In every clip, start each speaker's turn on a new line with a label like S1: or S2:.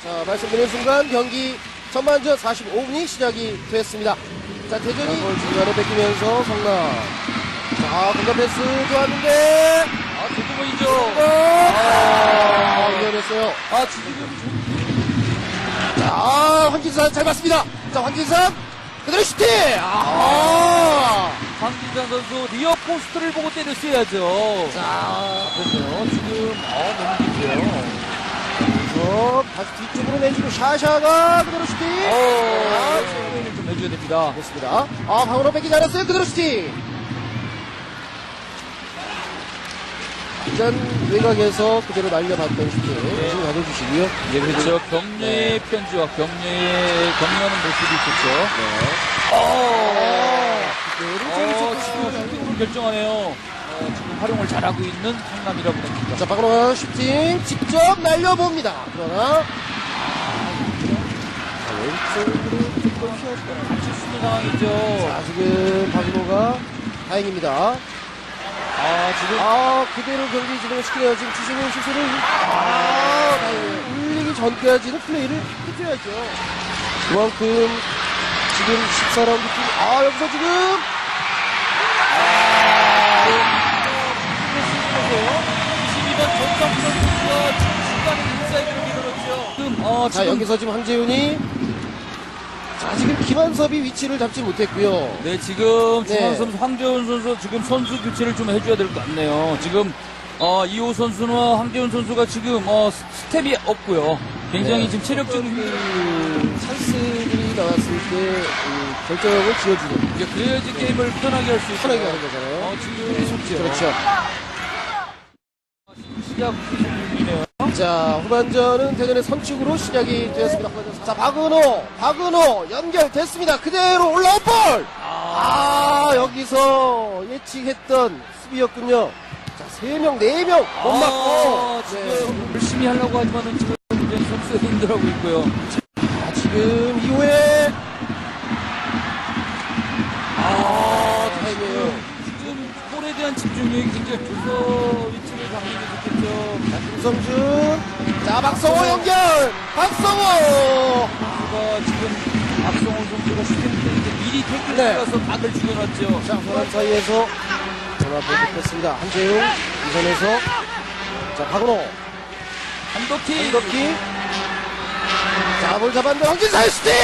S1: 자, 말씀드린 순간 경기 전반전 45분이 시작이 됐습니다. 자, 대전이 중간에 뺏기면서 성남. 자, 공간 패스 좋았는데.
S2: 조금이죠.
S1: 위험했어요.
S2: 지금.
S1: 자, 황진산 잘 봤습니다. 자, 황진산 그대로 슈팅!
S2: 황진산 선수 리어 포스트를 보고 때렸어야죠.
S1: 자,
S2: 그렇네요. 지금, 너무 깊어요.
S1: 그래서 다시 뒤쪽으로 내주고 샤샤가 그대로 슈팅!
S2: 체인을 좀 해줘야 됩니다.
S1: 됐습니다. 방으로 뺏기 잘했어요. 그대로 슈팅! 일단 외곽에서 그대로 날려봤던 슈팅. 지금 가져주시고요.
S2: 예, 그렇죠. 격려의 편지와 격려하는 모습이 있었죠. 지금 결정하네요. 지금 활용을 잘하고 있는 성남이라고 봅니다.
S1: 자, 박은호 슈팅 직접 날려봅니다. 그러나 왼쪽으로 조금 휘었던
S2: 다칠 수 있는 상황이죠.
S1: 자, 지금 박은호가 다행입니다.
S2: 지금.
S1: 그대로 경기 진행을 시키네요. 지금 주시는 시술을 다행이에요. 울리기 전까지는 플레이를 해줘야죠. 그만큼 지금 14라운드 팀 여기서 지금
S2: 22번 전성 선수가 중간에 인사이드로 밀어넣죠. 지금,
S1: 자, 여기서 지금 황재윤이 지금 김한섭이 위치를 잡지 못했고요.
S2: 네, 지금
S1: 네.
S2: 중앙 선수 황재훈 선수 지금 선수 교체를 좀 해줘야 될 것 같네요. 지금 이호 선수나 황재훈 선수가 지금 스텝이 없고요. 굉장히
S1: 네.
S2: 지금 체력적인
S1: 찬스들이 나왔을 때 결정을 지어주는
S2: 이제 그래야지 게임을 편하게 할 수 있고
S1: 편하게 하는 거잖아요.
S2: 지금 속지요.
S1: 그렇죠.
S2: 시작 중이네요.
S1: 자, 후반전은 대전의 선축으로 시작이 되었습니다. 후반전. 자, 박은호 연결됐습니다. 그대로 올라온 볼! 여기서 예측했던 수비였군요. 자, 3명, 4명 못 맞고.
S2: 지금 열심히 하려고 하지만은 지금 굉장히 선수가 힘들어하고 있고요.
S1: 지금 이후에 타임이에요.
S2: 지금 볼에 대한 집중력이 굉장히 좋서 위치를 잡는 게 좋겠죠.
S1: 김성준. 자, 박성호 연결! 박성호!
S2: 지금 박성호 선수가 슈팅 때인데 미리 태클을 들어가서 각을 죽여놨죠.
S1: 자, 호란 사이에서 전화 보냈습니다. 한재웅, 이선에서. 자, 박은호.
S2: 한덕희.
S1: 자, 볼 잡았는데 황진사의 슈팅!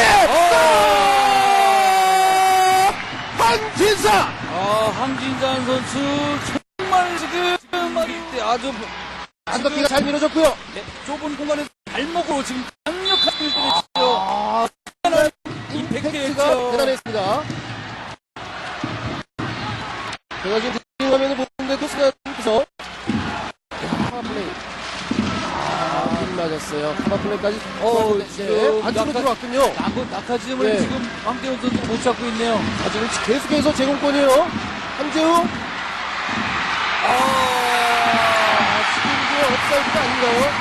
S1: 황진사!
S2: 황진산 선수 정말 지금 말인데 아주
S1: 한덕기가 잘 밀어줬고요.
S2: 좁은 공간에서 발목으로 지금 강력한 을 때렸죠.
S1: 임팩트가 대단했습니다. 제가 지금 뒷 화면을 보는데도 순간에서 카바플레이. 힘 맞았어요. 카바플레이까지.
S2: 지금
S1: 안쪽으로 들어왔군요.
S2: 낙하지음을
S1: 네.
S2: 지금 황대훈 선수 못 잡고 있네요.
S1: 지금 계속해서 제공권이에요. 한재웅. 지금 이게 업사이드가 아닌가요?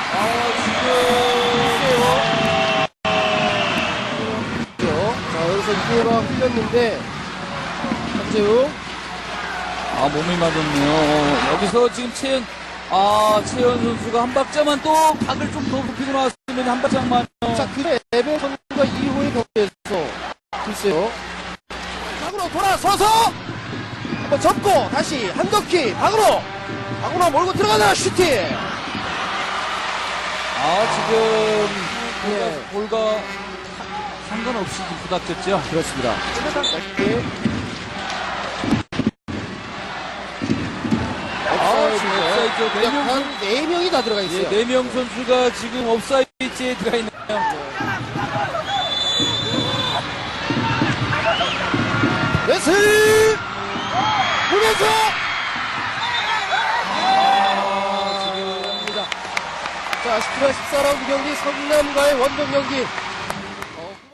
S1: 자, 여기서 이호가 흘렸는데, 한재웅.
S2: 몸이 맞았네요. 여기서 지금 채연 선수가 한 박자만 또 각을 좀 더 높이고 나왔으면 한 박자만.
S1: 자, 그래, 에벨 선수가 2호의 경기에서, 글쎄요. 박으로 돌아서서, 한번 접고, 다시, 한덕희, 박으로 몰고 들어가나, 슈팅!
S2: 지금, 볼과 상관없이 부닥쳤죠.
S1: 그렇습니다. 다시,
S2: 옵사이드.
S1: 한 4명이 다 들어가 있어요.
S2: 4명 선수가 지금 옵사이드에 들어가 있네요.
S1: 웨슬! 보면서! 지금입니다. 자, 17화 14라운드 경기 성남과의 원정 경기.